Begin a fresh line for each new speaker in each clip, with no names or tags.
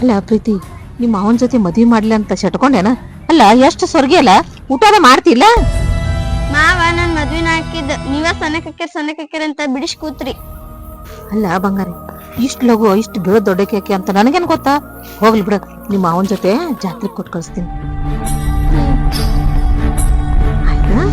ಅಲ್ಲ ಪ್ರೀತಿ, ನಿಮ್ಮ ಅವನ ಜೊತೆ ಮದ್ವಿ ಮಾಡ್ಲಿ ಅಂತ ಶಟ್ಕೊಂಡೇನ? ಅಲ್ಲ ಎಷ್ಟು ಸ್ವರ್ಗಿ ಅಲ್ಲ, ಊಟದ ಮಾಡ್ತಿಲ್ಲ?
ಮಾವ ನನ್ ಮದ್ವಿನ ಹಾಕಿದ್ ನೀವ ಸಣ್ಣಕಕ್ಕಿರ್ ಅಂತ ಬಿಡಿಸ್ ಕೂತ್ರಿ.
ಅಲ್ಲ ಬಂಗಾರಿ, ಇಷ್ಟು ಲಗು ಇಷ್ಟು ಬೀಳ ದೊಡ್ಡಕ್ಕೆ ಅಂತ ನನಗೇನ್ ಗೊತ್ತಾ? ಹೋಗ್ಲಿ ಬಿಡ, ನಿಮ್ಮ ಅವನ ಜೊತೆ ಜಾತ್ರೆ ಕೊಟ್ಟು ಕಳಿಸ್ತೀನಿ. ಆಯ್ತಾ?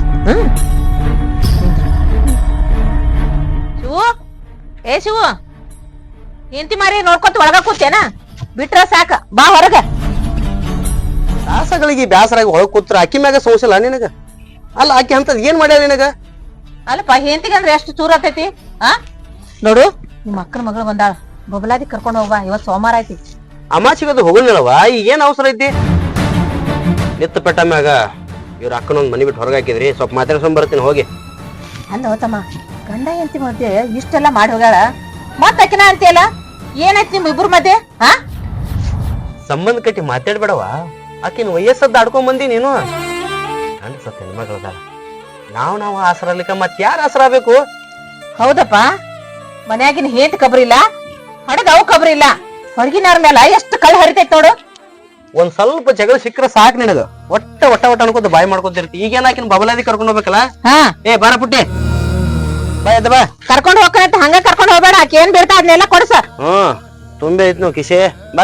ಶಿವು, ಏ ಶಿವು, ಎಂತಿ ಮಾರಿ ನೋಡ್ಕೊತ ಒಳಗ ಕೂತೇನ? ಬಿಟ್ರ ಸಾಕ, ಬಾ ಹೊರಗ.
ದಾಸಗಳಿಗೆ ಬ್ಯಾಸರಾಗಿ ಹೊಳಗ್ ಕೂತ್ರ ಅಕ್ಕಿ ಮ್ಯಾಗ ಸೋಸಲ್ಲ ನಿನಗ? ಅಲ್ಲ ಆಕಿ ಅಂತದ್ ಏನ್ ಮಾಡ್ಯಾರ ನಿನಗ?
ಅಲ್ಲಪ್ಪ, ಹೆಂತಿಗೆ ಅಂದ್ರೆ ಎಷ್ಟು ಚೂರ ಆತೈತಿ? ನೋಡು, ನಿಮ್ಮ ಅಕ್ಕನ ಮಗಳು ಬಂದಾಳ, ಬಬಲಾದಿ ಕರ್ಕೊಂಡು ಹೋಗ್ಬಾ, ಇವತ್ ಸೋಮವಾರ ಐತಿ.
ಅಮಾಚಿಗದು ಹೋಗಲ್ವ? ಈಗ ಏನ್ ಅವಸರ ಐತಿ? ನಿತ್ತ ಪೆಟ್ಟ ಮ್ಯಾಗ ಇವ್ರ ಅಕ್ಕನೊಂದ್ ಮನಿ ಬಿಟ್ಟು ಹೊರಗೆ ಹಾಕಿದ್ರಿ, ಸ್ವಲ್ಪ ಮಾತಾಡ್ಸ್ಕೊಂಡ್ ಬರ್ತೀನಿ ಹೋಗಿ.
ಅಲ್ಲ ತಮ್ಮ, ಗಂಡ ಹೆಂಡತಿ ಮಧ್ಯೆ ಇಷ್ಟೆಲ್ಲ ಮಾಡಿ ಹೋಗ್ಯಾಳ, ಮತ್ ಅಕಿನ ಅಂತೀಯಲ್ಲ, ಏನೈತಿ ನಿಮ್ ಇಬ್ರು ಮಧ್ಯೆ?
ಸಂಬಂಧ ಕಟ್ಟಿ ಮಾತಾಡ್ಬೇಡವ. ಆಕಿನ ವಯಸ್ಸದ್ದು ಆಡ್ಕೊಂಡ್ ಬಂದಿ ನೀನು. ಗಂಡ ಸತ್ತ ಹೆಣ್ಮಗಳದಾಳ, ನಾವು ಆಸರಲಿಕ್ಕ ಮತ್ ಯಾರ ಆಸರ ಆಗ್ಬೇಕು?
ಹೌದಪ್ಪ, ಮನ್ಯಾಗಿನ ಹೇಂತ ಕಬ್ರಿ ಇಲ್ಲ, ಹಡಗ ಅವು ಕಬ್ರಿ ಇಲ್ಲ, ಹೊರಗಿನವ್ರ ಮೇಲೆ ಎಷ್ಟು ಕಳ್ಳ ಹರಿತೈತ್ ನೋಡು.
ಒಂದ್ ಸ್ವಲ್ಪ ಜಗಳ ಸಿಕ್ಕ್ರ ಸಾಕ್ ನಿನಗ. ಒಟ್ಟ ಅನ್ಕೋತ ಬಾಯಿ ಮಾಡ್ಕೊತಿರ್ತಿ. ಈಗೇನ ಆಕಿನ ಬಬಲಾದಿ ಕರ್ಕೊಂಡ್ ಹೋಗ್ಬೇಕಲ್ಲ? ಏ ಬಾರ ಪುಟ್ಟಿ, ಬಾ ಎದ್ದ ಬಾ.
ಕರ್ಕೊಂಡ್ ಹೋಗ್ಕಂತ ಹಂಗ ಕರ್ಕೊಂಡ್ ಹೋಗ್ಬೇಡ, ಆಕೆ ಏನ್ ಬೀಳ್ತಾ ಅದನ್ನೆಲ್ಲ ಕೊಡ್ಸ.
ತುಂಬೆ ಐತ್ ನೋ ಕಿಶೆ, ಬರ.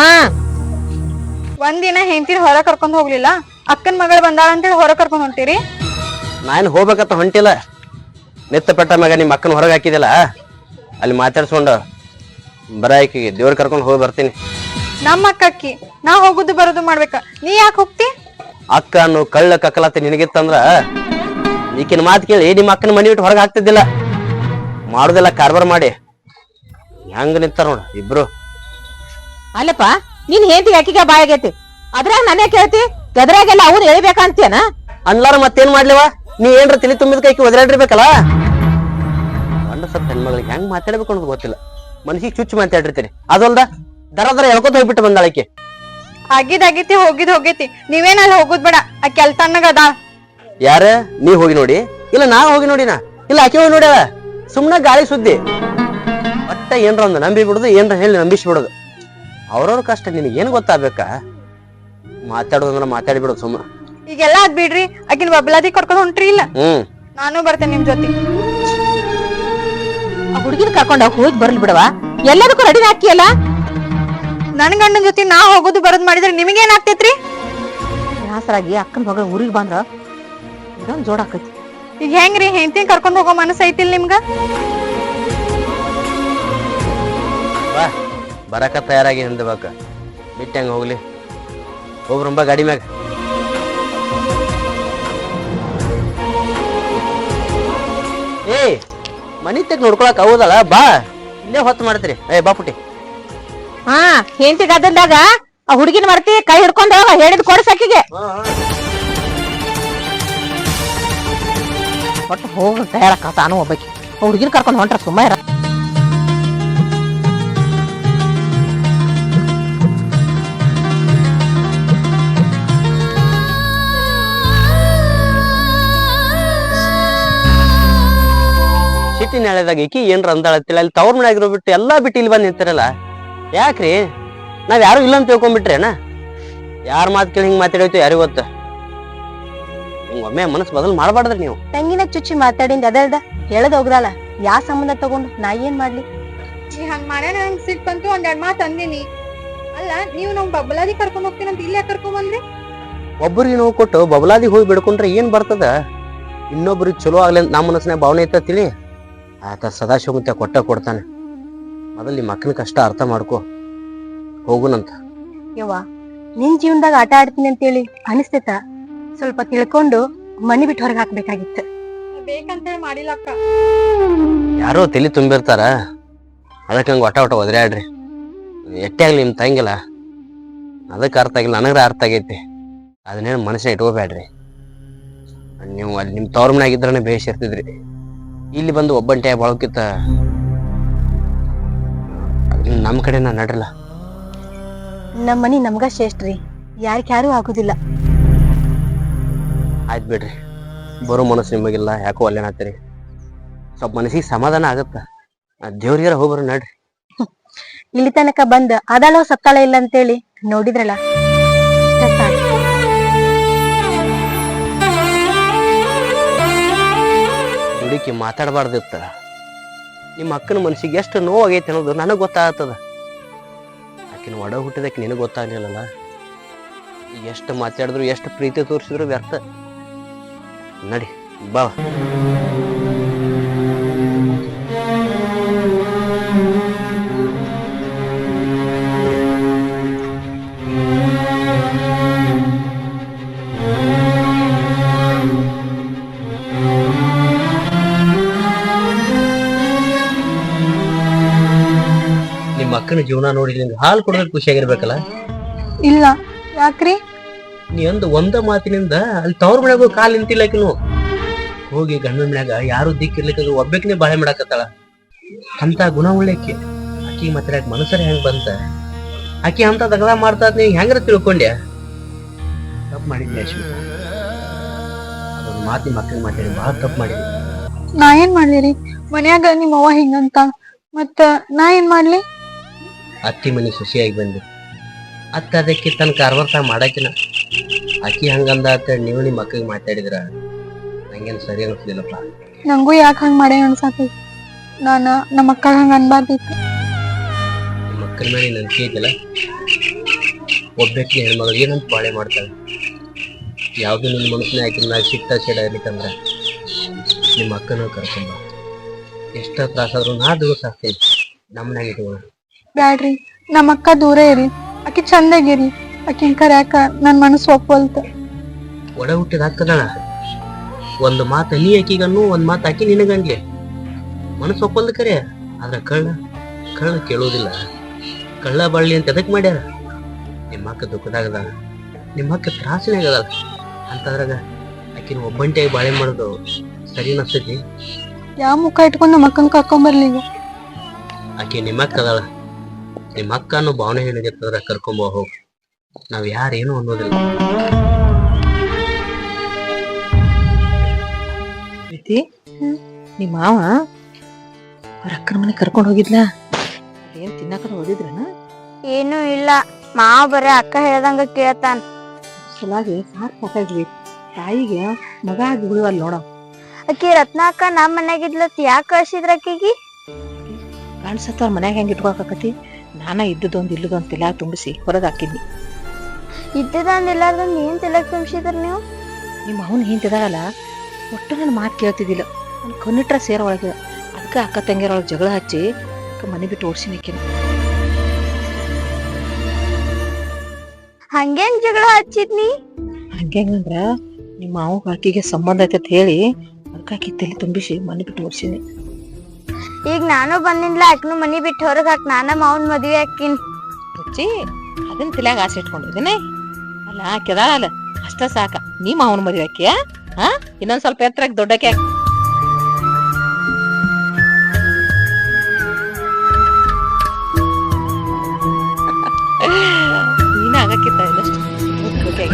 ಒಂದಿನ ಹೆಂಡತಿನ ಹೊರ ಕರ್ಕೊಂಡ್ ಹೋಗ್ಲಿಲ್ಲ, ಅಕ್ಕನ್ ಮಗಳು ಬಂದಾಳ ಅಂತೇಳಿ ಹೊರ ಕರ್ಕೊಂಡ್ ಹೊಂಟಿರಿ.
ನಾನು ಹೋಗ್ಬೇಕಂತ ಹೊಂಟಿಲ್ಲ. ನಿತ್ತ ಪೆಟ್ಟ ಮ್ಯಾಗ ನಿಮ್ಮ ಅಕ್ಕನ ಹೊರಗೆ ಹಾಕಿದಿಲ್ಲ, ಅಲ್ಲಿ ಮಾತಾಡ್ಸ್ಕೊಂಡು ಬರ ಆಕಿಗೆ ದೇವ್ರ ಕರ್ಕೊಂಡು ಹೋಗಿ ಬರ್ತೀನಿ.
ನಮ್ಮ ಅಕ್ಕಿ ನಾ ಹೋಗುದು ಬರೋದು ಮಾಡ್ಬೇಕ, ನೀ ಯಾಕೆ ಹೋಗ್ತಿ?
ಅಕ್ಕ ಅನ್ನು ಕಳ್ಳ ಕಕ್ಕಲತ್ತ ನಿನಗಿತ್ತಂದ್ರ ಈಕಿನ ಮಾತು ಕೇಳಿ ನಿಮ್ಮ ಅಕ್ಕನ ಮನಿ ಬಿಟ್ಟು ಹೊರಗೆ ಹಾಕ್ತಿದ್ದಿಲ್ಲ. ಮಾಡುದಿಲ್ಲ ಕಾರ್ಬಾರ್ ಮಾಡಿ ಹೆಂಗ ನಿಂತಾರ ನೋಡ ಇಬ್ರು.
ಅಲ್ಲಪ್ಪ, ನೀನ್ ಹೇಂತಿ ಅಕ್ಕಿಗೆ ಬಾಯ್ ಆಗೈತಿ, ಅದ್ರಾಗ ನಾನೇ ಕೇಳ್ತಿ, ಗದ್ರಾಗೆಲ್ಲ ಅವ್ರು ಹೇಳ್ಬೇಕಂತೇನ?
ಅನ್ಲಾರ ಮತ್ತೇನ್ ಮಾಡ್ಲಿವ? ನೀ ಏನ್ರ ತಿಳಿ ತುಂಬಿದ ಕೈಕಿ ಒದರಾಡಿರ್ಬೇಕಲ್ಲ. ಗಂಡ ಸತ್ತ ಹೆಣ್ಮಗಳಿಗೆ ಹೆಂಗ್ ಮಾತಾಡ್ಬೇಕು ಅನ್ನೋದು ಗೊತ್ತಿಲ್ಲ, ಮನಸ್ಸಿಗೆ ಚುಚ್ಚು ಮಾತಾಡಿರ್ತೀರಿ. ಅದಲ್ದ ದರ ಎಳ್ಕೊತ ಹೋಗ್ಬಿಟ್ಟು ಬಂದಾಳಕ್ಕೆ.
ಆಗಿದ್ ಹೋಗೈತಿ, ನೀವೇನ ಅಲ್ಲಿ ಹೋಗುದ್ ಬೇಡ, ಆಕಿ ಅಲ್ಲಿ ತಣ್ಣಗ ಅದ.
ಯಾರ? ನೀ ಹೋಗಿ ನೋಡಿ? ಇಲ್ಲ ನಾ ಹೋಗಿ ನೋಡಿನ? ಇಲ್ಲ ಆಕೆ ಹೋಗಿ ನೋಡ್ಯಾಳ. ಸುಮ್ನ ಗಾಳಿ ಸುದ್ದಿ. ಒಟ್ಟ ಏನ್ರ ಒಂದು ನಂಬಿ ಬಿಡುದು, ಏನ್ರ ಹೇಳಿ ನಂಬಿಸಿ ಬಿಡುದು. ಅವ್ರವ್ರ ಕಷ್ಟ ನಿನಗೇನ್ ಗೊತ್ತಾಗ್ಬೇಕಾ? ಮಾತಾಡೋದಂದ್ರ ಮಾತಾಡಿ ಬಿಡೋದು ಸುಮ್ಮ.
ಈಗೆಲ್ಲ ಅದ್ ಬಿಡ್ರಿ, ಆಕಿನ ಬಬ್ಲಾದಿ ಕರ್ಕೊಂಡ್ ಹೊಂಟ್ರಿ ಇಲ್ಲ? ನಾನು ಬರ್ತೇನೆ ನಿಮ್ ಜೊತೆ.
ಆ ಹುಡುಗಿನ ಕರ್ಕೊಂಡ ಹೋಗಿ ಬರ್ಲಿ ಬಿಡವಾ, ಎಲ್ಲದಕ್ಕೂ ರೆಡಿ ಹಾಕಿಯಲ್ಲ.
ನನ್ ಗಂಡನ ಜೊತೆ ನಾ ಹೋಗುದು ಬರೋದ್ ಮಾಡಿದ್ರೆ ನಿಮಗೇನ್ ಆಗ್ತೈತ್ರಿ?
ಬ್ಯಾಸರಾಗಿ ಅಕ್ಕನ ಮಗಳ ಊರಿಗೆ ಬಂದ್ರ ಇದೊಂದ್ ಜೋಡ್ ಆಕೈತಿ.
ಈಗ ಹೆಂಗ್ರಿ ಹೆಂಡತಿನ ಕರ್ಕೊಂಡ್ ಹೋಗೋ ಮನಸ್ಸು ಐತಿಲ್ ನಿಮ್ಗ?
ಬರಾಕ ತಯಾರಾಗಿ ಹಿಂದಬೇಕ, ಬಿಟ್ಟು ಹೆಂಗ ಹೋಗ್ಲಿ? ಹೋಗ್ರಂಬ ಗಾಡಿ ಮ್ಯಾಗ. ಏ ಮನಿ ತೆಗ್ ನೋಡ್ಕೊಳಕ್ ಹೌದಲ್ಲ, ಬಾ, ಇಲ್ಲೇ ಹೊತ್ತು ಮಾಡ್ತೀರಿ. ಏ ಬಾ ಪುಟ್ಟಿ.
ಹೆಂಡತಿ ಗದ್ದಲ್ದಾಗ ಆ ಹುಡುಗಿನ ಮರ್ತಿ ಕೈ ಹಿಡ್ಕೊಂಡ ಹೇಳಿದ್ ಕೊಡ್ಸಕ್ಕಿಗೆ. ಒಟ್ಟು ಹೋಗ ತಯಾರಕ್ಕ ತಾನು ಒಬ್ಬಾಕಿ ಹುಡುಗಿನ ಕರ್ಕೊಂಡ್ ಹೊಂಟ್ರ ಸುಮ್ಮ ಇರ.
ಸಿಟಿ ನಾಳೆದಾಗ ಈಕಿ ಏನ್ರ ಅಂದಾಳತ್ತಿಲ್ಲ, ಅಲ್ಲಿ ತವ್ರ ಮನೆ ಆಗಿರೋ ಬಿಟ್ಟು ಎಲ್ಲಾ ಬಿಟ್ಟು ಇಲ್ಲಿ ಬಂದ್ ನಿಂತಿರಲ್ಲ ಯಾಕ್ರಿ? ನಾವ್ ಯಾರು ಇಲ್ಲ ಅಂತ ತಿಳ್ಕೊಂಡ್ಬಿಟ್ರೇನ? ಯಾರ ಮಾತು ಕೇಳಿ ಹಿಂಗ್ ಮಾತಾಡೋಯ್ತು ಯಾರಿಗ ಗೊತ್ತ? ಹಿಂಗ ಒಮ್ಮೆ ಮನಸ್ಸು ಬದಲು ಮಾಡ್ಬಾರ್ದ್ರಿ ನೀವು.
ತಂಗಿನ ಚುಚ್ಚಿ ಮಾತಾಡಿಂದ ಅದಲ್ದ ಹೇಳದ್ ಹೋಗ್ರಲ್ಲ, ಯಾ ಸಂಬಂಧ ತಗೊಂಡು ನಾ ಏನ್ ಮಾಡ್ಲಿ? ಹಂಗ್ ಮಾಡ್ಯಾನ, ನಂಗ್ ಸಿಟ್ ಬಂತು, ಒಂದೆರಡ್ ಮಾತು ಅಂದಿನಿ. ಅಲ್ಲ, ನೀವು ನಮ್ ಬಬ್ಲಾದಿ ಕರ್ಕೊಂಡ್ ಹೋಗ್ತೀನಂತ ಇಲ್ಲೇ ಕರ್ಕೊಂಡ್ ಬಂದ್ರಿ?
ಒಬ್ಬರಿಗೆ ನೋವು ಕೊಟ್ಟು ಬಬಲಾದಿ ಹೋಗಿ ಬಿಡ್ಕೊಂಡ್ರೆ ಏನ್ ಬರ್ತದ? ಇನ್ನೊಬ್ರಿಗೆ ಚಲೋ ಆಗ್ಲಿ ಅಂತ ನಮ್ಮ ಮನಸ್ಸಿನ ಭಾವನೆ ಐತ ತಿಳಿ. ಆತ ಸದಾಶಿವಂತ ಕೊಡ್ತಾನೆ. ಮೊದಲು ನಿಮ್ಮ ಅಕ್ಕನ ಕಷ್ಟ ಅರ್ಥ ಮಾಡ್ಕೊ, ಹೋಗುನಂತ.
ಯವ್ವ, ನಿನ್ ಜೀವನದಾಗ ಆಟ ಆಡ್ತೀನಿ ಅಂತೇಳಿ ಅನಿಸ್ತೇತ? ಸ್ವಲ್ಪ ತಿಳ್ಕೊಂಡು ಮನಿ ಬಿಟ್ಟು ಹೊರಗೆ ಹಾಕ್ಬೇಕಾಗಿತ್ತು. ಬೇಕಂತೇಳಿ ಮಾಡಿಲ್ಲ ಅಕ್ಕ.
ಯಾರೋ ತಲಿ ತುಂಬಿರ್ತಾರ, ಅದಕ್ಕೆ ಹಂಗ ಒಟ ಒದರಾಡ್ರಿ. ಎಟ್ಟೆ ಆಗ್ಲಿ ನಿಮ್ ತಂಗಿಲ್ಲ, ಅದಕ್ಕೆ ಅರ್ಥ ಆಗಿಲ್ಲ, ನನಗ್ರ ಅರ್ಥ ಆಗೈತಿ. ಅದನ್ನೇನು ಮನಸ್ಸಿನ ಇಟ್ಕೋಬೇಡ್ರಿ. ನೀವು ಅಲ್ಲಿ ನಿಮ್ ತವ್ರ ಮನೆ ಆಗಿದ್ರನೆ ಬೇಷ್ ಇರ್ತಿದ್ರಿ. ಇಲ್ಲಿ ಬಂದು ಒಬ್ಬಂಟೆ ಬಾಳಕಿತ್ತ ನಮ್ ಕಡೆ ನಾ ನಡ್ರಲ್ಲ.
ನಮ್ಮ ಮನಿ ನಮ್ಗ ಶ್ರೇಷ್ಠ್ರಿ, ಯಾರು ಆಗುದಿಲ್ಲ.
ಆಯ್ತು ಬಿಡ್ರಿ, ಬರೋ ಮನಸ್ಸು ನಿಮಗಿಲ್ಲ, ಯಾಕೋ ಅಲ್ಲೇನಾಗ್ತೀರಿ. ಸ್ವಲ್ಪ ಮನಸ್ಸಿಗೆ ಸಮಾಧಾನ ಆಗತ್ತ. ದೇವ್ರಿಗಾರ ಹೋಗ್ಬರ ನಡ್ರಿ.
ಇಲ್ಲಿ ತನಕ ಬಂದ್ ಅದಾಳೋ ಸತ್ತಾಳ ಇಲ್ಲ ಅಂತೇಳಿ ನೋಡಿದ್ರಲ್ಲ, ಇಷ್ಟ ಸಾಕು.
ದುಡುಕಿ ಮಾತಾಡಬಾರ್ದಿತ್ತ. ನಿಮ್ಮ ಅಕ್ಕನ ಮನಸ್ಸಿಗೆ ಎಷ್ಟು ನೋವಾಗೈತೆ ಅನ್ನೋದು ನನಗೆ ಗೊತ್ತಾಗ್ತದ. ಆಕಿನ ಒಡ ಹುಟ್ಟಿದಕ್ಕೆ ನಿನಗೆ ಗೊತ್ತಾಗ್ಲಿಲ್ಲಲ್ಲ. ಈಗ ಎಷ್ಟು ಮಾತಾಡಿದ್ರು ಎಷ್ಟು ಪ್ರೀತಿ ತೋರಿಸಿದ್ರು ವ್ಯರ್ಥ. ನಡಿ ಬಾ. ನಿಮ್ಮ ಅಕ್ಕನ ಜೀವನ ನೋಡಿ ನಿಂಗೆ ಹಾಲು ಕೊಡೋದಕ್ಕೆ ಖುಷಿಯಾಗಿರ್ಬೇಕಲ್ಲ.
ಇಲ್ಲ, ಯಾಕ್ರಿ?
ನೀ ಒಂದ ಮಾತಿನಿಂದ ಅಲ್ಲಿ ತವ್ರ ಮನ್ಯಾಗ ಕಾಲ್ ನಿಂತಿಲ್ಲಕಿನು ಹೋಗಿ ಗಂಡನ ಮನ್ಯಾಗ ಯಾರು ದಿಕ್ಕಿರ್ಲಿಕ್ಕ ಒಬ್ಬಾಕಿನೇ ಬಾಳೆ ಮಾಡಾಕತ್ತಾಳ. ಅಂತ ಗುಣ ಉಳ್ಳಕ್ಕೆ ಆಕಿ ಮಾತಾಡಕ್ ಮನಸ್ಸರ ಹೆಂಗ್ ಬಂತ? ಆಕಿ ಅಂತ ದಗದ ಮಾಡ್ತಾ ನೀ ಹೆಂಗ್ರ ತಿಳ್ಕೊಂಡ್ಯ? ತಪ್ಪು ಮಾಡಿದ್ನಿ ಅಶ್ವಿತ. ಅದೊಂದು ಮಾತು ನಿಮ್ಮ ಅಕ್ಕನ ಮಾತಾಡಿ ಬಹಳ ತಪ್ಪು ಮಾಡಿದ್ನಿ.
ನಾ ಏನ್ ಮಾಡ್ಲಿರಿ? ಮನ್ಯಾಗ ನಿಮ್ಮ ಅವ್ವ ಹಿಂಗಂತ ಮತ್ತ ನಾ ಏನ್ ಮಾಡ್ಲಿ?
ಅತ್ತಿ ಮನೆ ಖುಷಿಯಾಗಿ ಬಂದಿ. ಅತ್ತ ಅದಕ್ಕೆ ತನ್ನ ಕಾರ್ವಾರ ಮಾಡಾಕಿನ ಆಕಿ ಹಂಗಂದ ಅಂತ ನೀವು ನಿಮ್ಮ ಅಕ್ಕಗೆ ಮಾತಾಡಿದ್ರ ನಂಗೇನು ಸರಿ ಅನಿಸ್ಲಿಲ್ಲಪ್ಪ.
ನಂಗೂ ಯಾಕೆ ಹಂಗ ಮಾಡೇ ಅನ್ಸಾತೈತಿ. ನಾನ ನಮ್ಮ ಅಕ್ಕ ಹಂಗ ಅನ್ಬಾರ್ದಿತ್ತು.
ನಿಮ್ಮ ಅಕ್ಕನ ಮೇಲೆ ನಂಬಿಕೆ ಐತಲ್ಲ. ಒಬ್ಬಾಕಿನ ಹೆಣ್ಮಗಳು ಏನಂತ ಬಾಳೆ ಮಾಡ್ತಾಳೆ. ಯಾವ್ದು ನಿನ್ನ ಮನಸ್ಸಿನ ಆಕಿನ ಮ್ಯಾಗ ಸಿಟ್ಟ ಸಿಡ ಇರ್ಲಿಕ್ಕಂದ್ರ ನಿಮ್ಮ ಅಕ್ಕನ ಕರ್ಕೊಂಬ. ಎಷ್ಟ ತ್ರಾಸಾದ್ರು ನಾ ದಿವಸ ಆಗ್ತೇನೆ ನಮ್ಮನ್ಯಾಗ ಇಟ್ಕೊಳ್ಳ.
ಬ್ಯಾಡ್ರಿ, ನಮ್ಮ ಅಕ್ಕ ದೂರ ಇರಿ. ಆಕಿ ಚಂದಾಗಿರಿ. ಆಕಿನ್ ಕರ್ಯಾಕ ನನ್ ಮನಸ್ಸು ಒಪ್ಪಲ್ತ.
ಒಡ ಹುಟ್ಟಿದ ಹಾಕದಣ ಒಂದು ಮಾತು ನೀ ಆಕಿಗನ್ನು ಒಂದ್ ಮಾತು ಆಕಿ ನಿನಗನ್ಲಿ ಮನಸ್ಸು ಒಪ್ಪಲ್ದ ಕರೆ. ಆದ್ರ ಕಳ್ಳ ಕೇಳೋದಿಲ್ಲ. ಕಳ್ಳ ಬಳ್ಳಿ ಅಂತ ಎದಕ್ ಮಾಡ್ಯಾರ? ನಿಮ್ಮ ಅಕ್ಕ ದುಃಖದಾಗದ, ನಿಮ್ಮ ಅಕ್ಕ ತ್ರಾಸಿನಾಗದ. ಅಂತದ್ರಾಗ ಆಕಿನ ಒಬ್ಬಂಟಿಯಾಗಿ ಬಾಳೆ ಮಾಡೋದು ಸರಿ ಅನಿಸ್ತೈತಿ?
ಯಾವ ಮುಖ ಇಟ್ಕೊಂಡು ನಮ್ಮ ಅಕ್ಕನ ಕರ್ಕೊಂಬರ್ಲಿ ಈಗ?
ಆಕಿ ನಿಮ್ಮ ಅಕ್ಕ ಅದಾಳ. ನಿಮ್ಮ ಅಕ್ಕ ಅನ್ನೋ ಭಾವನೆ ಏನಿರ್ತದ್ರ ಕರ್ಕೊಂಬ ಹೋಗ್. ನಾವ್ ಯಾರೇನು ಅನ್ನೋದಿಲ್ಲ.
ನಿಮ್ಮ ಮಾವ ಅವ್ರ ಅಕ್ಕನ ಮನೆ ಕರ್ಕೊಂಡ್ ಹೋಗಿದ್ಲ. ಏನ್ ತಿನ್ನಕ ಓದಿದ್ರನ?
ಏನು ಇಲ್ಲ, ಮಾವ ಬರೇ ಅಕ್ಕ ಹೇಳ್ದಂಗ ಕೇಳ್ತಾನ.
ಸಲಾಗಿ ಸಾಕಾಗ್ಲಿ. ತಾಯಿಗೆ ಮಗ ಆಗಿ ಉಳಿವಲ್ ನೋಡ.
ಅಕ್ಕಿ ರತ್ನ ಅಕ್ಕ ನಮ್ ಮನ್ಯಾಗಿದ್ಲತ್ ಯಾಕೆ ಕಳ್ಸಿದ್ರ ಅಕ್ಕಿಗಿ?
ಕಾಣಿಸತ್ತ ಅವ್ರ ಮನ್ಯಾಗ ಹೆಂಗ್ ಇಟ್ಕೊಕತಿ. ನಾನ ಇದ್ದದೊಂದು ಇಲ್ಲದೊಂದು ತಿಲಾಗ ತುಂಬಿಸಿ ಹೊರಗೆ ಹಾಕಿದ್ನಿ.
ಇದ್ದದಂದ್ ಇಲ್ಲಾರ್ದಂದ್ ಏನ್ ತಿಲಕ್ ತುಂಬಿಸಿದ್ರ ನೀವು?
ನಿಮ್ಮ ಅವನ್ ಹಿಂತಿದಾಗಲ್ಲ ಒಟ್ಟು ನನ್ನ ಮಾತು ಕೇಳ್ತಿದ್ದಿಲ್ಲ. ನನ್ ಕಣ್ಣಿಟ್ರ ಸೇರ ಒಳಗೆ. ಅದಕ್ಕೆ ಅಕ್ಕ ತಂಗಿಯರೊಳಗೆ ಜಗಳ ಹಚ್ಚಿ ಮನೆ ಬಿಟ್ಟು ಓಡಿಸಿನಕಿನ.
ಹಂಗೇನ್ ಜಗಳ ಹಚ್ಚಿದ್ನಿ?
ಹಂಗಂದ್ರ ನಿಮ್ಮ ಮಾವ ಆಕಿಗೆ ಸಂಬಂಧ ಐತೆ ಅಂತ ಹೇಳಿ ಅದಕ್ಕೆ ಆಕಿ ತಲೆ ತುಂಬಿಸಿ ಮನೆ ಬಿಟ್ಟು ಓಡಿಸಿನಿ.
ಈಗ ನಾನು ಬಂದಿನ್ಲ, ಅಕ್ನು ಮನಿ ಬಿಟ್ಟು ಹೊರಗ್ ಹಾಕ್ ನಾನ ಮಾವನ್ ಮದ್ವೆ ಹಾಕಿನ್.
ಹುಚ್ಚಿ ಅದನ್ನ ತಲೆಯಾಗ ಆಸೆ ಇಟ್ಕೊಂಡಿದ್ದೀನಿ. ಅಲ್ಲ ಕೆದಾಳಲ್ಲ ಅಷ್ಟ ಸಾಕ. ನೀ ಮಾವನ ಮದುವೆ ಹಾಕಿಯ? ಹಾ, ಇನ್ನೊಂದ್ ಸ್ವಲ್ಪ ಎತ್ತರಕ್ಕೆ ದೊಡ್ಡಕ್ಕೆ ನೀನ ಆಗಕ್ಕಿತ್ತ ಇಲ್ಲಷ್ಟು ಓಕೆಗ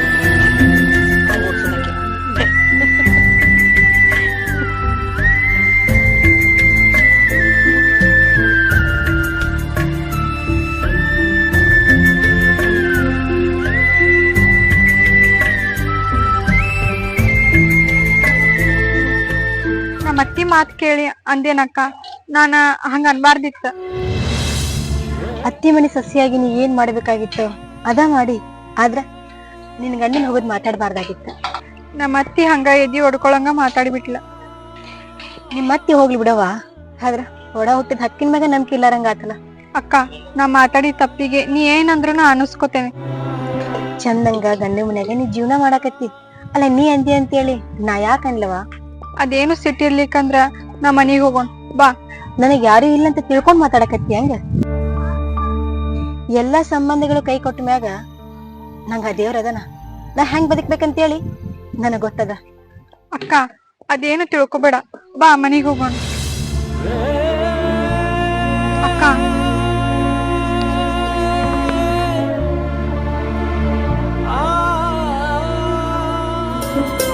ಅತ್ತಿ ಮಾತ್ ಕೇಳಿ ಅಂದೇನಕ್ಕ. ನಾನ ಹಂಗ ಅನ್ಬಾರ್ದಿತ್ತ. ಅತ್ತಿ ಮನಿ ಸಸಿಯಾಗಿ ನೀ ಏನ್ ಮಾಡ್ಬೇಕಾಗಿತ್ತು ಅದ ಮಾಡಿ. ಆದ್ರ ನಿನ್ ಗಂಡನ್ ಹೋಗೋದ್ ಮಾತಾಡ್ಬಾರ್ದಾಗಿತ್ತ. ನಮ್ಮ ಅತ್ತಿ ಹಂಗ ಎದಿ ಹೊಡ್ಕೊಳಂಗ ಮಾತಾಡಿಬಿಟ್ಲ. ನಿಮ್ಮ ಅತ್ತಿ ಹೋಗ್ಲಿ ಬಿಡವಾ, ಆದ್ರ ಒಡ ಹುಟ್ಟಿದ ಹಕ್ಕಿನ ಮ್ಯಾಗ ನಂಬಿಕೆ ಇಲ್ಲಾರಂಗ ಆತಲ್ಲ. ಅಕ್ಕ, ನಾ ಮಾತಾಡಿ ತಪ್ಪಿಗೆ ನೀ ಏನಂದ್ರು ನಾ ಅನಸ್ಕೋತೇನೆ. ಚಂದಂಗ ಗಂಡ ಮನ್ಯಾಗ ನೀ ಜೀವನ ಮಾಡಾಕತ್ತಿ ಅಲ್ಲ, ನೀ ಅಂದಿ ಅಂತೇಳಿ ನಾ ಯಾಕ ಅನ್ಲವಾ? ಅದೇನು ಸಿಟ್ಟಿರ್ಲಿಕ್ಕಂದ್ರ ನಾ ಮನಿಗ್ ಹೋಗೋಣ ಬಾ. ನನಗ್ ಯಾರು ಇಲ್ಲ ಅಂತ ತಿಳ್ಕೊಂಡ್ ಮಾತಾಡಕತ್ತಿ ಹಂಗ? ಎಲ್ಲಾ ಸಂಬಂಧಗಳು ಕೈ ಕೊಟ್ಟ ಮ್ಯಾಗ ನಂಗ ಆ ದೇವ್ರ ಅದನ. ನಾ ಹೆಂಗ್ ಬದುಕ್ಬೇಕಂತೇಳಿ ನನಗ್ ಗೊತ್ತದ. ಅಕ್ಕ, ಅದೇನು ತಿಳ್ಕೊಬೇಡ ಬಾ, ಮನಿಗ್ ಹೋಗೋಣ. ಅಕ್ಕ,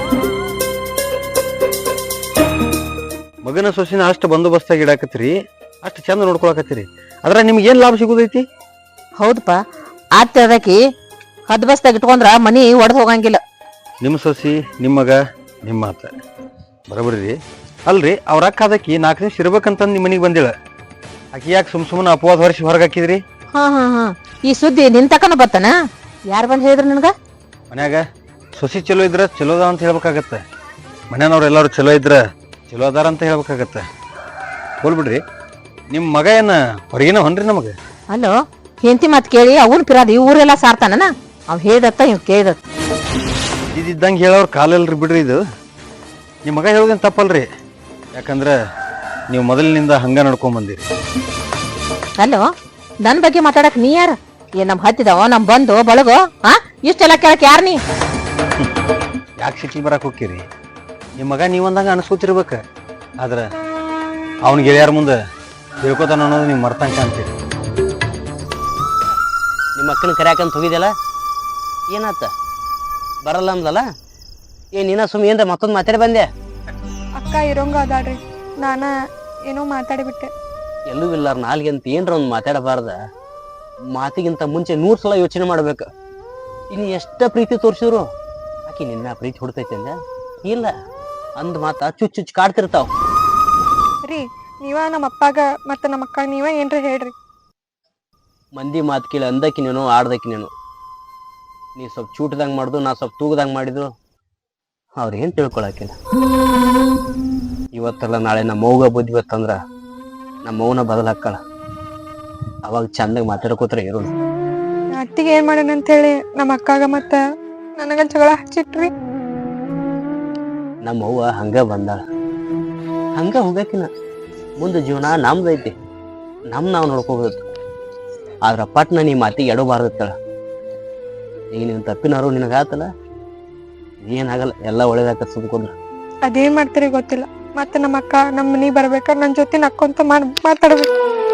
ಮಗನ ಸೊಸಿನ ಅಷ್ಟು ಬಂದೋಬಸ್ತಾಗಿ ಇಡಾಕತ್ರಿ. ಅಷ್ಟು ಚಂದ ನೋಡ್ಕೊಳಕತ್ತೀರಿ ಅದ್ರ ನಿಮ್ಗೆ ಏನ್ ಲಾಭ ಸಿಗುದೈತಿ?
ಹೌದಪ್ಪ ಆತ ಅದಕ್ಕೆ ಹದ್ ಬಸ್ದಾಗ ಇಟ್ಕೊಂಡ್ರ ಮನಿ ಒಡೆದ್ ಹೋಗಂಗಿಲ್ಲ.
ನಿಮ್ಮ ಸೊಸಿ ನಿಮ್ಮ ಮಗ ನಿಮ್ಮ ಮಾತ ಬರೋಬರಿ ರೀ. ಅಲ್ರಿ ಅವ್ರ ಅಕ್ಕ ಅದಕ್ಕಿ 4 ದಿವಸ ಇರ್ಬೇಕಂತಂದ್ ನಿಮ್ಮ ಮನಿಗೆ ಬಂದಿಳ, ಆಕಿ ಯಾಕೆ ಸುಮ್ಮನೆ ಅಪವಾದ ಹೊರಿಸಿ ಹೊರಗೆ ಹಾಕಿದ್ರಿ?
ಹಾ ಈ ಸುದ್ದಿ ನಿನ್ ತಕನ ಬತ್ತಾನ? ಯಾರು ಬಂದ್ ಹೇಳಿದ್ರು ನಿನಗ?
ಮನ್ಯಾಗ ಸೊಸಿ ಚಲೋ ಇದ್ರ ಚಲೋದ ಅಂತ ಹೇಳ್ಬೇಕಾಗತ್ತ, ಮನ್ಯಾನವ್ರು ಎಲ್ಲಾರು ಚಲೋ ಇದ್ರ ಚಲೋ ಅದಾರ ಅಂತ ಹೇಳ್ಬೇಕಾಗತ್ತ. ಹೋಲ್ಬಿಡ್ರಿ, ನಿಮ್ಮ ಮಗ ಏನ ಹೊರಗಿನ ಹೊನ್ರಿ ನಮಗ?
ಅಲ್ಲೋ ಹೆಂಡತಿ ಮಾತ್ ಕೇಳಿ ಅವನ್ ಪಿರಾದ ಈ ಊರೆಲ್ಲ ಸಾರ್ತಾನ. ಅವ್ ಹೇಳ್ದತ್ತ ಇವ್ ಕೇಳ್ದತ್ತ.
ಇದ್ದಂಗೆ ಹೇಳೋರು ಕಾಲಲ್ರಿ ಬಿಡ್ರಿ. ಇದು ನಿಮ್ಮ ಮಗ ಹೇಳೋದೇನು ತಪ್ಪಲ್ರಿ, ಯಾಕಂದ್ರೆ ನೀವು ಮೊದಲಿನಿಂದ ಹಂಗ ನಡ್ಕೊಂಡ್ ಬಂದಿರಿ.
ಅಲ್ಲೋ ನನ್ ಬಗ್ಗೆ ಮಾತಾಡಕ್ ನೀ ಯಾರ? ಏನ್ ನಮ್ ಹತ್ತಿದವ ನಮ್ ಬಂದು ಬಳಗೋ? ಇಷ್ಟೆಲ್ಲ ಕೇಳಕ್ ಯಾರ ನೀ?
ಯಾಕೆ ಸಿಟಿ ಬರಕ್ ಹೋಗ್ತೀರಿ? ನಿಮ್ಮ ಮಗ ನೀವಂದಂಗ ಅನ್ಸ್ಕೊತಿರ್ಬೇಕ, ಆದ್ರ ಅವ್ನ ಗೆಳೆಯಾರ ಮುಂದೆ ತಿಳ್ಕೊತಾನ ಅನ್ನೋದು ನೀವು ಮರ್ತಂಕ ಅಂತೀರಿ.
ನಿಮ್ಮ ಅಕ್ಕನ ಕರ್ಯಾಕಂತ ಹೋಗಿದ್ಯಲ್ಲ, ಏನಾತ? ಬರಲ್ಲ ಅಂದಲ್ಲ? ನೀನ ಸುಮ್ಮನೆ ಏನ್ರ ಮತ್ತೊಂದು ಮಾತಾಡಿ ಬಂದೆ?
ಅಕ್ಕ ಇರೋಂಗ ಅದಾಳ್ರಿ, ನಾನ ಏನೋ ಮಾತಾಡಿಬಿಟ್ಟೆ.
ಎಲ್ಲೂ ಇಲ್ಲಾರ ನಾಲ್ಗೆ ಅಂತ ಏನ್ರ ಒಂದು ಮಾತಾಡಬಾರ್ದ? ಮಾತಿಗಿಂತ ಮುಂಚೆ 100 ಸಲ ಯೋಚನೆ ಮಾಡ್ಬೇಕ. ಇನ್ನು ಎಷ್ಟ ಪ್ರೀತಿ ತೋರಿಸಿದ್ರು ಆಕಿ ನಿನ್ನ ಪ್ರೀತಿ ಹುಡ್ತೈತೆ ಅಂದ ಇಲ್ಲ ಅಂದ್ ಮಾತ ಚುಚ್ಚುಚ್ಚು ಕಾಡ್ತಿರ್ತಾವ.
ರೀ ನೀವ ನಮ್ಮ ಅಪ್ಪಾಗ ಮತ್ತ ನಮ್ಮ ಅಕ್ಕ ನೀವ ಏನ್ರ ಹೇಳ್ರಿ.
ಮಂದಿ ಮಾತು ಕೇಳಿ ಅಂದಕಿನೇನು ಆಡ್ದಕಿನೇನು, ನೀ ಸ್ವಲ್ಪ ಚೂಟದಂಗ್ ಮಾಡ್ದು, ನಾ ಸ್ವಲ್ಪ ತೂಗದಂಗ್ ಮಾಡಿದ್ರು ಅವ್ರೇನ್ ತಿಳ್ಕೊಳಕಿಲ್ಲ. ಇವತ್ತಲ್ಲ ನಾಳೆ ನಮ್ಮ ಮೌಗ ಬುದ್ಧಿ ಬತ್ತಂದ್ರ ನಮ್ಮ ಮೌನ ಬದಲಾಕಳ. ಅವಾಗ ಚಂದಾಗ ಮಾತಾಡ್ಕೋತ್ರ ಇರೋದು.
ಅತ್ತಿಗೆ ಏನ್ ಮಾಡ್ಯಾನ ಅಂತ ಹೇಳಿ ನಮ್ಮ ಅಕ್ಕಾಗ ಮತ್ತ ನನಗ ಜಗಳ ಹಚ್ಚಿಟ್ರಿ.
ನಮ್ಮ ಅವ್ವ ಹಂಗ ಬಂದಾಳ, ಹಂಗ ಹೋಗಕಿನ ಮುಂದೆ ಜೀವನ ನಮ್ದೈತಿ, ನಾವು ನೋಡ್ಕೋಬೇಕು. ಆದ್ರ ಪಟ್ನ ನೀ ಮಾತಿಗೆ ಎಡಬಾರ್ದತ್ತಳ. ಈಗ ನೀವು ತಪ್ಪಿನಾರು ನಿನಗಾತಲ್ಲ, ಏನಾಗಲ್ಲ, ಎಲ್ಲ ಒಳ್ಳೇದಾಕ ಸುಮ್ಕೊಂಡ್ರ.
ಅದೇನ್ ಮಾಡ್ತೀರಿ ಗೊತ್ತಿಲ್ಲ. ಮತ್ತೆ ನಮ್ಮ ಅಕ್ಕ ನಮ್ಮ ಮನಿಗ್ ಬರ್ಬೇಕ, ನನ್ ಜೊತೆ ನಕ್ಕೊಂತ ಮಾತಾಡ್ಬೇಕು.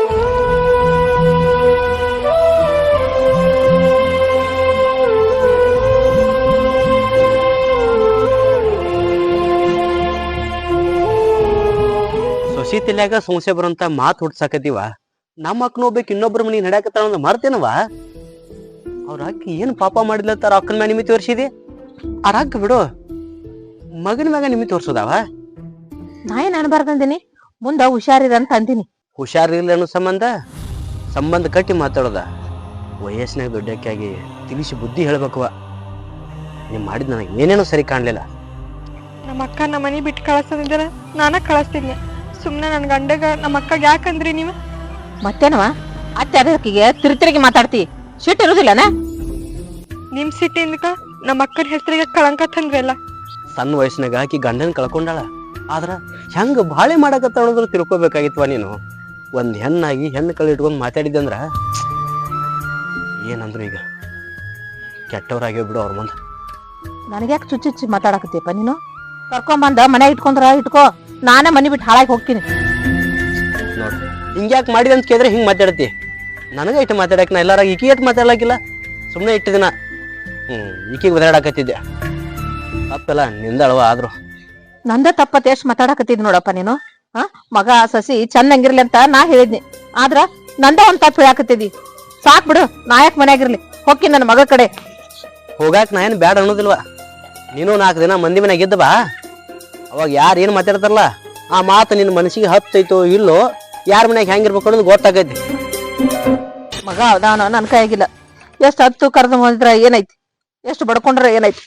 ಸೊಸಿ ತಲ್ಯಾಗ ಸಮಸ್ಯೆ ಬರೋಂತ ಮಾತು ಹುಡ್ಸಾಕತ್ತೀವ. ನಮ್ಮ ಅಕ್ಕನ ಹೋಗ್ಬೇಕು ಇನ್ನೊಬ್ರ ಮನಿಗೆ ನಡ್ಯಾಕತ್ತಾಳ ಅಂದ್ರೆ ಮರ್ತೇನವ? ಅವ್ರ ಅಕ್ಕ ಏನ್ ಪಾಪ ಮಾಡಿದ್ಲತ್ತಾರ ಅಕ್ಕನ ಮ್ಯಾಗ ನಿಮಿತಿ ತೋರಿಸಿದಿ? ಅವ್ರ ಅಕ್ಕ ಬಿಡು, ಮಗನ ಮ್ಯಾಗ ನಿಮಿತಿ ತೋರ್ಸೋದವ?
ನಾ ಏನ್ ಅನ್ಬಾರ್ದಂದಿನಿ, ಮುಂದ ಹುಷಾರಿರ ಅಂತ ಅಂದಿನಿ.
ಹುಷಾರಿಲ್ಲ ಅನ್ನೋ ಸಂಬಂಧ ಕಟ್ಟಿ ಮಾತಾಡೋದ? ವಯಸ್ಸಿನಾಗ ದೊಡ್ಡಕ್ಕಾಗಿ ತಿಳಿಸಿ ಬುದ್ಧಿ ಹೇಳ್ಬೇಕವ. ನೀವ್ ಮಾಡಿದ್ ನನಗೆ ಏನೇನೋ ಸರಿ ಕಾಣ್ಲಿಲ್ಲ.
ನಮ್ಮ ಅಕ್ಕ ನಮ್ಮ ಮನಿ ಬಿಟ್ಟು ಕಳಿಸೋದಿದ್ರ ನಾನ ಕಳಿಸ್ತಿದ್ನಿ. ಸುಮ್ನೆ ನನ್ ಗಂಡಗ ನಮ್ಮ ಅಕ್ಕಗ ಯಾಕಂದ್ರಿ ನೀವು?
ಮತ್ತೇನವ ಅತ್ತೆ ಅದಕ್ಕಿಗೆ ತಿರುಗಿ ಮಾತಾಡ್ತಿ? ಸಿಟ್ಟು ಇರುದಿಲ್ಲನ?
ನಿಮ್ ಸಿಟ್ಟಿಂದ ನಮ್ಮ ಅಕ್ಕನ ಹೆಸರಿಗೆ ಕಳಂಕ ತಂದ್ರಲ್ಲ.
ಸಣ್ಣ ವಯಸ್ಸಿನಾಗ ಆಕಿ ಗಂಡನ ಕಳ್ಕೊಂಡಾಳ, ಆದ್ರ ಹೆಂಗ ಬಾಳೆ ಮಾಡಕತ್ತಾಳೋದ್ರ ತಿಳ್ಕೊಬೇಕಾಗಿತ್ವ ನೀನು. ಒಂದ್ ಹೆಣ್ಣಾಗಿ ಹೆಣ್ಣು ಕಳಿ ಇಟ್ಕೊಂಡ್ ಮಾತಾಡಿದ್ದಂದ್ರ ಏನಂದ್ರು ಈಗ ಕೆಟ್ಟವ್ರಾಗ್ಯೋ ಬಿಡು ಅವ್ರ ಮುಂದೆ.
ನನಗ್ಯಾಕೆ ಚುಚ್ಚುಚ್ಚಿ ಮಾತಾಡಕತ್ತೀಯಪ್ಪ ನೀನು? ಕರ್ಕೊಂಬಂದ ಮನೆ ಇಟ್ಕೊಂಡ್ರ ಇಟ್ಕೋ, ನಾನೇ ಮನಿ ಬಿಟ್ಟು ಹಾಳಾಗಿ ಹೋಗ್ತೀನಿ.
ನೋಡ್ ಹಿಂಗ್ಯಾಕೆ ಮಾಡಿದೆ ಅಂತ ಕೇಳಿದ್ರೆ ಹಿಂಗ್ ಮಾತಾಡತಿ. ನನಗ ಇಟ್ಟು ಮಾತಾಡಕ್ ನಾ ಎಲ್ಲಾರಾಗ ಈಕಿ ಇಟ್ಟು ಮಾತಾಡ್ಲಾಕಿಲ್ಲ. ಸುಮ್ಮನೆ ಇಟ್ಟು ದಿನ ಈಕಿಗೆ ಬದಲಾಡಕತ್ತಿದ್ದೆ. ತಪ್ಪೆಲ್ಲ ನಿಂದಳವ. ಆದ್ರು
ನಂದ ತಪ್ಪತ್ತೆ ಎಷ್ಟು ಮಾತಾಡಕತ್ತಿದ್ ನೋಡಪ್ಪ ನೀನು. ಮಗ ಸಸಿ ಚಂದಂಗಿರ್ಲಿ ಅಂತ ನಾ ಹೇಳಿದ್ನಿ, ಆದ್ರ ನಂದ ಒಂದ್ ತಪ್ಪು ಹೇಳಾಕತ್ತಿದಿ. ಸಾಕ್ ಬಿಡು, ನಾಯಕ್ ಮನ್ಯಾಗಿರ್ಲಿ, ಹೋಗಿ ನನ್ನ ಮಗ ಕಡೆ.
ಹೋಗಾಕ್ ನಾ ಏನ್ ಬ್ಯಾಡ ಅನ್ನೋದಿಲ್ವಾ? ನೀನು 4 ದಿನ ಮಂದಿ ಮನ್ಯಾಗ ಇದ್ದ ಬಾ, ಅವಾಗ ಯಾರು ಏನ್ ಮಾತಾಡ್ತಾರಲ್ಲ ಆ ಮಾತು ನಿನ್ನ ಮನಸ್ಸಿಗೆ ಹತ್ತೈತೋ ಇಲ್ಲೋ, ಯಾರ ಮನ್ಯಾಗ ಹೆಂಗಿರ್ಬೇಕು ಅನ್ನೋದು ಗೊತ್ತಾಗೈತಿ.
ಮಗ ಅವನ ನನ್ ಕೈಯಾಗಿಲ್ಲ. ಎಷ್ಟು ಹತ್ತು ಕರೆದು ಮಾಡಿದ್ರ ಏನೈತಿ, ಎಷ್ಟು ಬಡ್ಕೊಂಡ್ರ ಏನೈತಿ?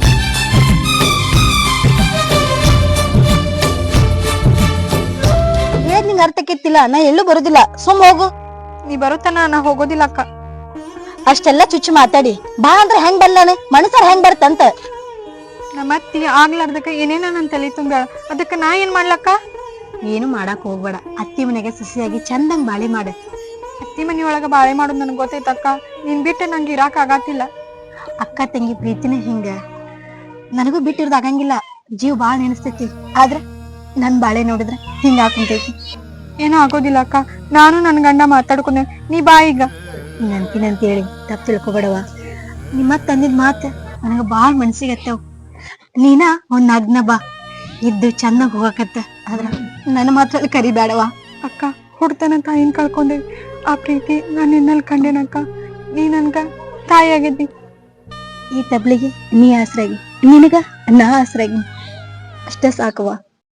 ನಿಂಗೆ ಅರ್ಥಕ್ಕಿತ್ತಿಲ್ಲ, ನಾ ಎಲ್ಲೂ ಬರುದಿಲ್ಲ, ಸುಮ್ ಹೋಗು.
ನೀ ಬರುತ್ತಾನ ನಾ ಹೋಗೋದಿಲ್ಲ ಅಕ್ಕ.
ಅಷ್ಟೆಲ್ಲ ಚುಚ್ಚು ಮಾತಾಡಿ ಬಾ ಅಂದ್ರೆ ಹೆಂಗ್ ಬರ್ಲಾನೆ? ಮನಸ್ಸಾರ ಹೆಂಗ್ ಬರ್ತಂತ?
ನಮ್ಮ ಅತ್ತಿ ಆಗ್ಲಾರ್ದಕ್ಕ ಏನೇನ ನನ್ ತಲೆ ತುಂಬ್ಯಾಳ, ಅದಕ್ಕ ನಾ ಏನ್ ಮಾಡ್ಲಕ್ಕ?
ಏನು ಮಾಡಾಕ್ ಹೋಗ್ಬೇಡ, ಅತ್ತಿ ಮನೆಗೆ ಸಸಿಯಾಗಿ ಚಂದಂಗ್ ಬಾಳೆ ಮಾಡ.
ಅತ್ತಿ ಮನಿಯೊಳಗ ಬಾಳೆ ಮಾಡೋದು ನನ್ಗೆ ಗೊತ್ತೈತಕ್ಕ. ನೀನ್ ಬಿಟ್ಟೆ ನಂಗೆ ಇರಾಕ್ ಆಗತ್ತಿಲ್ಲ.
ಅಕ್ಕ ತಂಗಿ ಪ್ರೀತಿನ ಹಿಂಗ, ನನಗೂ ಬಿಟ್ಟಿರೋದು ಆಗಂಗಿಲ್ಲ. ಜೀವ ಬಾಳ ನೆನಸ್ತೈತಿ, ಆದ್ರ ನನ್ ಬಾಳೆ ನೋಡಿದ್ರ ಹಿಂಗ ಹಾಕುಂತೈತಿ.
ಏನೋ ಆಗೋದಿಲ್ಲ ಅಕ್ಕ, ನಾನು ನನ್ ಗಂಡ ಮಾತಾಡ್ಕೊಂಡೆ, ನೀ ಬಾ ಈಗ.
ನಂತಿನಂತ ಹೇಳಿ ತಪ್ಪು ತಿಳ್ಕೊಬೇಡವ. ನಿಮ್ಮ ತಂದಿದ್ ಮಾತ ನನಗ ಬಾಳ ಮನ್ಸಿಗೆ ಹತ್ತವ್. ನೀನ ಒಂದ್ ನಗ್ನ ಬಾ, ಇದ್ದು ಚಂದಾಗ ಹೋಗಕತ್ತ, ಆದ್ರ ನನ್ನ ಮಾತ್ರ ಕರಿಬೇಡವ.
ಅಕ್ಕ ಹುಡ್ತನ ತಾಯಿನ ಕಳ್ಕೊಂಡೇವಿ. ಆ ಪ್ರೀತಿ ನಾನು ನಿನ್ನಲ್ಲಿ ಕಂಡೇನಕ್ಕ. ನೀ ನನ್ಗ ತಾಯಿ ಆಗಿದ್ದಿ.
ಈ ತಬ್ಲಿಗೆ ನೀ ಆಸರಾಗಿ, ನಿನಗ ನಾ ಆಸರಾಗಿ, ಅಷ್ಟೇ ಸಾಕವ್ವ.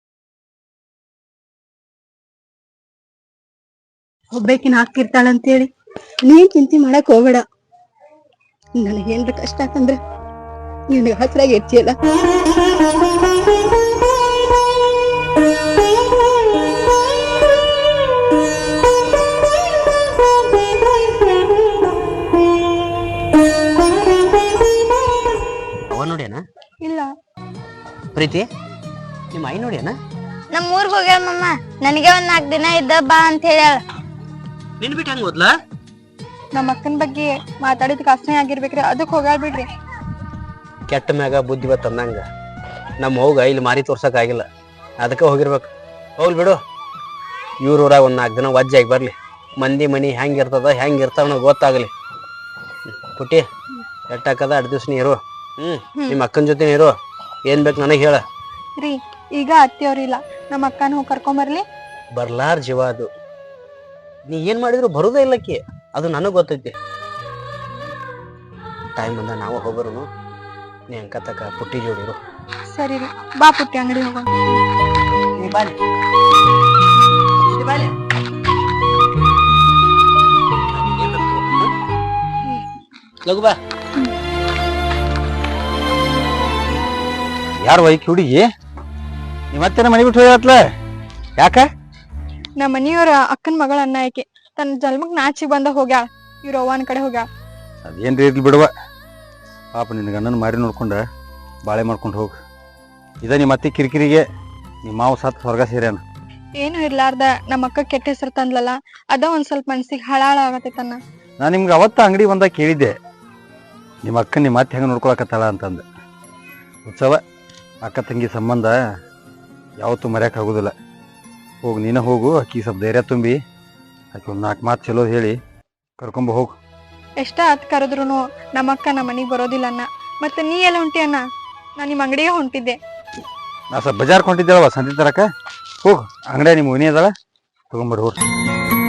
ಒಬ್ಬಾಕಿನ ಹಾಕಿರ್ತಾಳಂತೇಳಿ ನೀನ್ ಚಿಂತೆ ಮಾಡಕ್ ಹೋಗ್ಬೇಡ. ನನಗೇನ್ರ ಕಷ್ಟ ಆತಂದ್ರ ನಿನಗ ಹಸ್ರಾಗಿ ಇರ್ತಿಯಲ್ಲ.
ಅವ ನೋಡ್ಯಾನ
ಇಲ್ಲ,
ಪ್ರೀತಿ ನಿಮ್ಮ ಐ ನೋಡ್ಯಾನ?
ನಮ್ ಊರ್ಗ್ ಹೋಗ್ಯಾಳ ಮಮ್ಮ. ನನಗೆ ಒಂದ್ 4 ದಿನ ಇದ್ದ ಬಾ ಅಂತ ಹೇಳ್ಯಾಳ.
ನಿನ್ ಬಿಟ್ಟು ಹೆಂಗ್ ಹೋದ್ಲಾ?
ನಮ್ಮ ಅಕ್ಕನ ಬಗ್ಗೆ ಮಾತಾಡಿದಕ್ಕೆ ಅಸಹ್ಯ ಆಗಿರ್ಬೇಕ್ರಿ, ಅದಕ್ಕೆ ಹೋಗ್ಯಾಳ ಬಿಡ್ರಿ.
ಕೆಟ್ಟ ಮ್ಯಾಗ ಬುದ್ಧಿ ಬತ್ತಂದಂಗ ನಮ್ಮ ಹೋಗ ಇಲ್ಲಿ ಮಾರಿ ತೋರ್ಸಕ್ ಆಗಿಲ್ಲ, ಅದಕ್ಕೆ ಹೋಗಿರ್ಬೇಕು. ಹೋಗ್ಲಿ ಬಿಡು. ಇವ್ರೂರಾಗ ಒಂದ್ 4 ದಿನ ವಜ್ಜಾಗಿ ಬರ್ಲಿ, ಮಂದಿ ಮನಿ ಹೆಂಗ್ ಇರ್ತದ ಹೆಂಗ್ ಇರ್ತಾವ ಗೊತ್ತಾಗ್ಲಿ. ಪುಟ್ಟಿ ಎಟ್ಟಾಕದ 2 ದಿವ್ಸ ನೀ ಇರು. ನಿಮ್ಮ ಅಕ್ಕನ ಜೊತೆ ಇರು. ಏನ್ ಬೇಕು ನನಗೆ ಹೇಳ.
ರೀ ಈಗ ಅತ್ತಿಯವ್ರಿಲ್ಲ, ನಮ್ಮ ಅಕ್ಕನ ಹೋಗಿ ಕರ್ಕೊಂಬರ್ಲಿ.
ಬರ್ಲಾರ್ ಜೀವ ಅದು. ನೀ ಏನ್ ಮಾಡಿದ್ರು ಬರುದೇ ಇಲ್ಲಕ್ಕಿ, ಅದು ನನಗ್ ಗೊತ್ತೈತಿ. ಟೈಮ್ ಬಂದ ನಾವು ಹೋಗೋರು. ನೀ ಅಂಕತಕ್ಕ ಪುಟ್ಟಿ ಜೋಡಿರು.
ಸರಿ ರೀ, ಬಾ ಪುಟ್ಟಿ ಅಂಗಡಿ ಹೋಗೋಣ.
ಲಗು ಬಾ.
ಯಾರು ವೈಕಿ ಹುಡುಗಿ? ನೀ ಮತ್ತೆ ಮನೆ ಬಿಟ್ಟು ಹೋಗತ್ಲ ಯಾಕ?
ನಮ್ಮ ಮನಿಯವ್ರ ಅಕ್ಕನ ಮಗಳ ಅನ್ನ ಆಕೆ ತನ್ನ ಜನ್ಮಕ್ ನಾಚಿಗೆ ಬಂದ ಹೋಗ್ಯಾಳ. ಇವ್ರ ಅವ್ವನ ಕಡೆ ಹೋಗ್ಯಾಳ.
ಅದೇನ್ರಿ ಇರ್ಲಿ ಬಿಡುವ. ಪಾಪ ನಿನ್ನ ಗಂಡನ ಮಾರಿ ನೋಡ್ಕೊಂಡ ಬಾಳೆ ಮಾಡ್ಕೊಂಡು ಹೋಗು. ಇದ ನಿಮ್ಮ ಅತ್ತೆ ಕಿರಿಕಿರಿಗೆ ನಿಮ್ಮ ಮಾವು ಸತ್ ಹೊರಗ ಸೇರ್ಯಾನ.
ಏನು ಇರ್ಲಾರ್ದ ನಮ್ಮ ಅಕ್ಕ ಕೆಟ್ಟ ಹೆಸರು ತಂದ್ಲಲ್ಲ, ಅದ ಒಂದ್ ಸ್ವಲ್ಪ ಮನ್ಸಿಗೆ ಹಳಾಳ ಆಗತ್ತೈತನ್ನ.
ನಾ ನಿಮ್ಗೆ ಅವತ್ತ ಅಂಗಡಿ ಬಂದಾಗ ಕೇಳಿದ್ದೆ, ನಿಮ್ಮ ಅಕ್ಕ ನಿಮ್ಮ ಅತ್ತೆ ಹೆಂಗೆ ನೋಡ್ಕೊಳಕತ್ತಾಳ ಅಂತಂದು. ಉತ್ಸವ ಅಕ್ಕ ತಂಗಿ ಸಂಬಂಧ ಯಾವತ್ತೂ ಮರ್ಯಾಕೆ ಆಗೋದಿಲ್ಲ. ಹೋಗು, ನೀನ ಹೋಗು. ಆಕಿ ಸ್ವಲ್ಪ ಧೈರ್ಯ ತುಂಬಿ ಆಕಿ ಒಂದು 4 ಮಾತು ಚಲೋ ಹೇಳಿ ಕರ್ಕೊಂಬ ಹೋಗು.
ಎಷ್ಟ ಹತ್ ಕರೆದ್ರು ನಮ್ಮ ಅಕ್ಕ ನಮ್ಮ ಮನಿಗ್ ಬರೋದಿಲ್ಲ ಅನ್ನ. ಮತ್ತೆ ನೀ ಎಲ್ಲ ಹೊಂಟಿ ಅನ್ನ? ನಾ ನಿಮ್ಮ ಅಂಗಡಿಗೆ ಹೊಂಟಿದ್ದೆ.
ನಾ ಸ್ವಲ್ಪ ಬಜಾರ್ ಕೊಂಡಿದ್ದೇಳವ ಸಂತಿ ತರಕ. ಹೋಗು, ಅಂಗಡಿಯ ನಿಮ್ಮ ಮನಿ ಅದಾಳ, ತಗೊಂಬರ್ರಿ ಹೋಗ್ರಿ.